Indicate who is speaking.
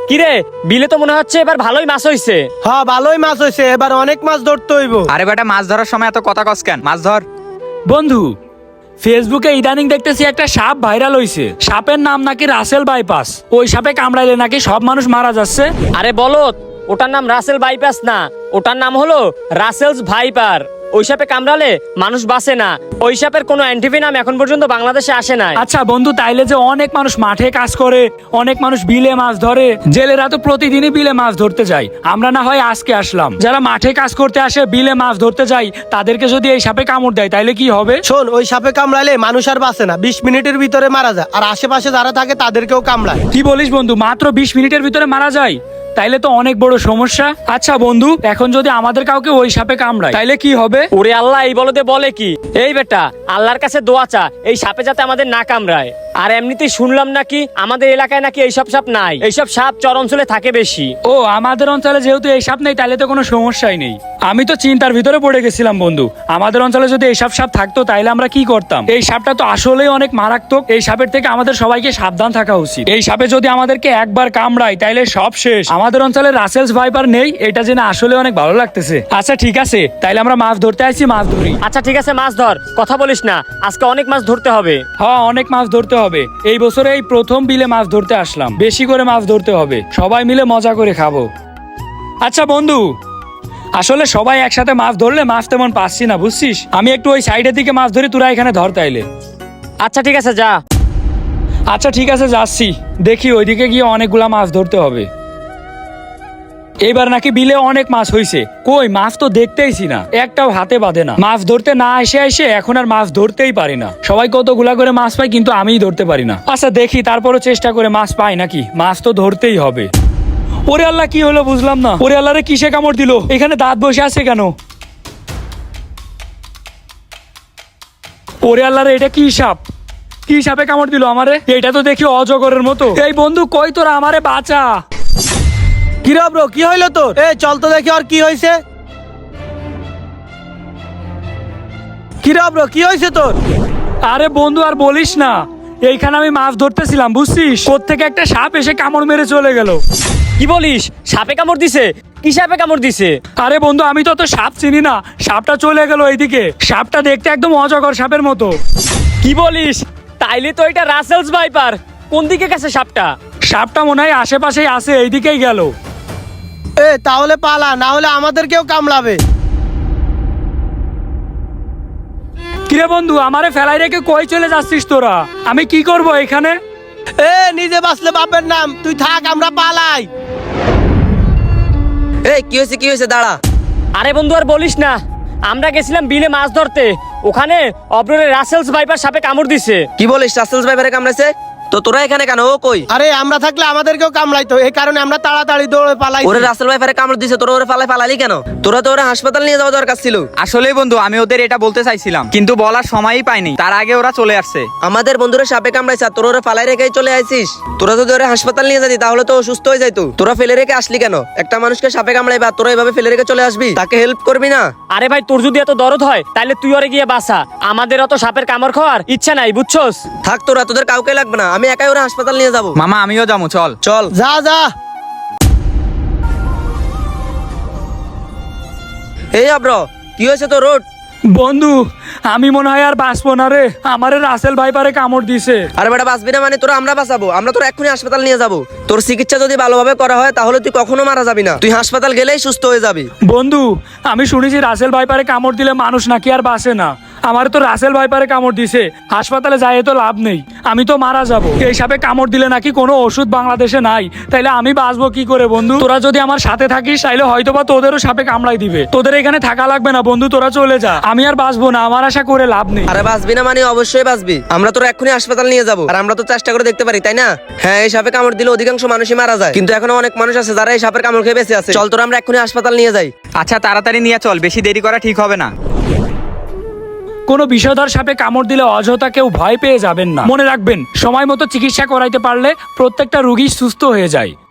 Speaker 1: কিরে, বিলে তো মনে হচ্ছে এবার ভালোই মাছ হইছে।
Speaker 2: হ্যাঁ ভালোই মাছ হয়েছে, এবার অনেক মাছ ধরতে হইব।
Speaker 3: আরে বেটা, মাছ ধরার সময় এত কথা কস কেন? মাছ ধর।
Speaker 4: বন্ধু, ফেসবুকে ইদানিং দেখতেছি একটা সাপ ভাইরাল হইছে। সাপের নাম নাকি রাসেল বাইপাস। ওই সাপে কামড়াইলে নাকি সব মানুষ মারা যাচ্ছে।
Speaker 1: আরে বলত, ওটার নাম রাসেল বাইপাস না, ওটার নাম হলো রাসেলস ভাইপার। ওই সাপে কামড়ালে মানুষ বাঁচে না। ওই সাপের কোনো অ্যান্টিভেনাম এখন পর্যন্ত বাংলাদেশে আসে নাই।
Speaker 4: আচ্ছা বন্ধু, তাইলে যে অনেক মানুষ মাঠে কাজ করে, অনেক মানুষ বিলে মাছ ধরে, জেলেরা তো প্রতিদিনই বিলে মাছ ধরতে যায়। আমরা না হয় আজকে আসলাম, যারা মাঠে কাজ করতে আসে, বিলে মাছ ধরতে যায়, তাদেরকে যদি এই সাপে কামড় দেয় তাইলে কি হবে?
Speaker 2: শোন, ওই সাপে কামড়ালে মানুষ আর বাঁচে না, 20 মিনিটের ভিতরে মারা যায়। আর আশেপাশে যারা থাকে তাদেরকেও কামড়ায়।
Speaker 4: কি বলিস বন্ধু, মাত্র 20 মিনিটের ভিতরে মারা যায়? তাইলে তো অনেক বড় সমস্যা। আচ্ছা বন্ধু, এখন যদি আমাদের কাউকে ওই সাপে কামড়ায় তাইলে কি হবে?
Speaker 1: ওরে আল্লাহ, এই বলতে বলে কি? এই বেটা, আল্লাহর কাছে দোয়া চা এই সাপে যাতে আমাদের না কামড়ায়। আর এমনিতেই শুনলাম নাকি আমাদের এলাকায় নাকি এইসব সাপ নাই, এইসব সাপ চর অঞ্চলে থাকে বেশি।
Speaker 4: ও, আমাদের অঞ্চলে যেহেতু এই সাপ নেই তাহলে তো কোনো সমস্যাই নেই। আমি তো চিন্তার ভিতরে পড়ে গেছিলাম বন্ধু, আমাদের অঞ্চলে যদি এইসব সাপ থাকতো তাইলে আমরা কি করতাম। এই সাপটা তো আসলেই অনেক মারাত্মক। এই সাপের থেকে আমাদের সবাইকে সাবধান থাকা উচিত। এই সাপে যদি আমাদেরকে একবার কামড়ায় তাইলে সব শেষ। আমাদের অঞ্চলে রাসেলস ভাইপার নেই, এটা জেনে আসলে অনেক ভালো লাগতেছে। আচ্ছা ঠিক আছে, তাইলে আমরা মাছ ধরতে আসছি, মাছ ধরি।
Speaker 1: আচ্ছা ঠিক আছে, মাছ ধর, কথা বলিস না, আজকে অনেক মাছ ধরতে হবে।
Speaker 4: হ্যাঁ, অনেক মাছ ধরতে হবে। এই বছরে এই প্রথম বিলে মাছ ধরতে আসলাম, বেশি করে মাছ ধরতে হবে, সবাই মিলে মজা করে খাবো। আচ্ছা বন্ধু, আসলে সবাই একসাথে মাছ ধরলে মাছ তেমন পাচ্ছি না, বুঝছিস। আমি একটু ওই সাইডের দিকে মাছ ধরি, তোরা এখানে ধর তাইলে।
Speaker 1: আচ্ছা ঠিক আছে, যা।
Speaker 4: আচ্ছা ঠিক আছে, যাচ্ছি। দেখি ওইদিকে গিয়ে অনেকগুলা মাছ ধরতে হবে। এবার নাকি বিলে অনেক মাছ হইছে। কই, মাছ তো দেখতেইছি না, একটাও হাতে বাঁধে না। মাছ ধরতে না এসে এসে এখন আর মাছ ধরতেই পারি না। সবাই কতগুলা করে মাছ পায়, কিন্তু আমিই ধরতে পারি না। আচ্ছা দেখি, তারপরও চেষ্টা করে মাছ পাই নাকি। মাছ তো ধরতেই হবে। ওরে আল্লাহ, কি হলো বুঝলাম না। ওরে আল্লাহ রে, কিসে কামড় দিল? এখানে দাঁত বসে আছে কেন? ওরে আল্লাহ রে, এটা কি সাপ? কি সাপে কামড় দিল আমারে? এটা তো দেখি অজগরের মতো। এই বন্ধু, কই তোরা, আমারে বাঁচা।
Speaker 2: কি রে ব্রো, কি হইলো তোর? চল তো দেখি আর কি হয়েছে। কি রে ব্রো, কি হয়েছে তোর?
Speaker 4: আরে বন্ধু, আর বলিস না। এইখানে আমি মাছ ধরতেছিলাম, বুঝছিস, কোত্থেকে একটা সাপ এসে কামড় মেরে চলে গেল।
Speaker 1: কি বলিস? সাপে কামড় দিছে? কি সাপে কামড় দিছে?
Speaker 4: আরে বন্ধু, আমি তো সাপ চিনি না, সাপটা চলে গেল এইদিকে। সাপটা দেখতে একদম অজগর সাপের মতো।
Speaker 1: কি বলিস? তাইলে তো এটা রাসেলস ভাইপার। কোন দিকে গেছে সাপটা?
Speaker 4: সাপটা মনে হয় আশেপাশেই আছে, এইদিকেই গেল।
Speaker 2: তাহলে পালা, না হলে আমাদেরকেও কামড়াবে।
Speaker 4: কিরে বন্ধু, আমারে ফেলাই রেখে কই চলে যাচ্ছিস তোরা? আমি কি করব এখানে?
Speaker 2: নিজে বাঁচলে বাপের নাম, তুই থাক, আমরা পালাই।
Speaker 5: এই কি হয়েছে, কি হয়েছে? দাঁড়া।
Speaker 1: আরে বন্ধু, আর বলিস না, আমরা গেছিলাম বিলে মাছ ধরতে, ওখানে অব্ররে রাসেলস ভাইপার সাপে কামড় দিছে।
Speaker 5: কি বলিস? রাসেলস ভাইপারে কামড়াইছে? তো তোরা এখানে কেন? ও কই?
Speaker 2: আরে আমরা থাকলে আমাদেরকেও কামড়াইতো, এই কারণে আমরা তাড়াতাড়ি দৌড়ে পালাই।
Speaker 5: ওরে রাসেল ভাইপারে কামড় দিছে, তোরা ওরে ফালালি কেন? তোরা তো ওরে হাসপাতাল নিয়ে যাওয়া দরকার ছিল।
Speaker 3: আসলেই বন্ধু, আমি ওদের এটা বলতে চাইছিলাম, কিন্তু বলার সময়ই পাইনি, তার আগে ওরা চলে আসছে।
Speaker 5: আমাদের বন্ধুরা সাপে কামড়াইছে, আর তোরা ওরে ফালাই রেখেই চলে আইছিস। তোরা যদি ওরে হাসপাতাল নিয়ে যাতি তাহলে তো ও সুস্থ হয়ে যাইতো। তোরা ফেলে রেখে আসলি কেন? একটা মানুষকে সাপে কামড়াইবে আর তোরা এভাবে ফেলে রেখে চলে আসবি? তাকে হেল্প করবি না?
Speaker 1: আরে ভাই, তোর যদি এত দরদ হয় তাহলে তুই ওরে গিয়ে বাঁচা, আমাদের অত সাপের কামড় খাওয়ার ইচ্ছা নাই, বুঝছস?
Speaker 5: থাক তোরা, তোদের কাউকে লাগবে না, আমি একাই ওরে হাসপাতাল নিয়ে যাবো।
Speaker 3: মামা, আমিও যাবো, চল।
Speaker 5: চল
Speaker 2: যা যা।
Speaker 5: এই আব্র, কি হয়েছে তোর? রোড
Speaker 4: বন্ধু, আমি মনে হয় আর বাঁচবো না রে, আমারে রাসেল ভাইপারে কামড় দিছে।
Speaker 5: আরে বেটা, বাঁচবি না মানে? তোরা আমরা বাঁচাবো, আমরা তোর এক্ষুনি হাসপাতাল নিয়ে যাবো। তোর চিকিৎসা যদি ভালোভাবে করা হয় তাহলে তুই কখনো মারা যাবি না, তুই হাসপাতাল গেলেই সুস্থ হয়ে যাবি।
Speaker 4: বন্ধু, আমি শুনেছি রাসেল ভাইপারে কামড় দিলে মানুষ নাকি আর বাঁচে না। আমার তো রাসেল ভাইপারে কামড় দিছে, হাসপাতালে যাই তো লাভ নেই, আমি তো মারা যাব। এই সাপে কামড় দিলে নাকি কোনো ওষুধ বাংলাদেশে নাই, তাইলে আমি বাঁচবো কি করে বন্ধু? তোরা যদি আমার সাথে থাকিস তাইলে হয়তোবা তোদেরও সাপে কামড়াই দিবে। তোদের এখানে থাকা লাগবে না বন্ধু, তোরা চলে যা, আমি আর বাঁচবো না, আমার আশা করে লাভ নেই।
Speaker 5: আরে বাঁচবি না মানে? অবশ্যই বাঁচবি, আমরা তোর এক্ষুনি হাসপাতাল নিয়ে যাবো। আর আমরা তো চেষ্টা করে দেখতে পারি, তাই না? হ্যাঁ, এই সাপে কামড় দিলে অধিকাংশ মানুষই মারা যায়, কিন্তু এখনো অনেক মানুষ আছে যারা এই সাপের কামড় খেয়ে বেঁচে আছে। চল তোরা আমরা এক্ষুনি হাসপাতাল নিয়ে যাই।
Speaker 3: আচ্ছা তাড়াতাড়ি নিয়ে চল, বেশি দেরি করা ঠিক হবে না।
Speaker 4: কোনো বিষধর সাপে কামড় দিলে অযথা কেউ ভয় পেয়ে যাবেন না। মনে রাখবেন, সময় মতো চিকিৎসা করাইতে পারলে প্রত্যেকটা রোগী সুস্থ হয়ে যায়।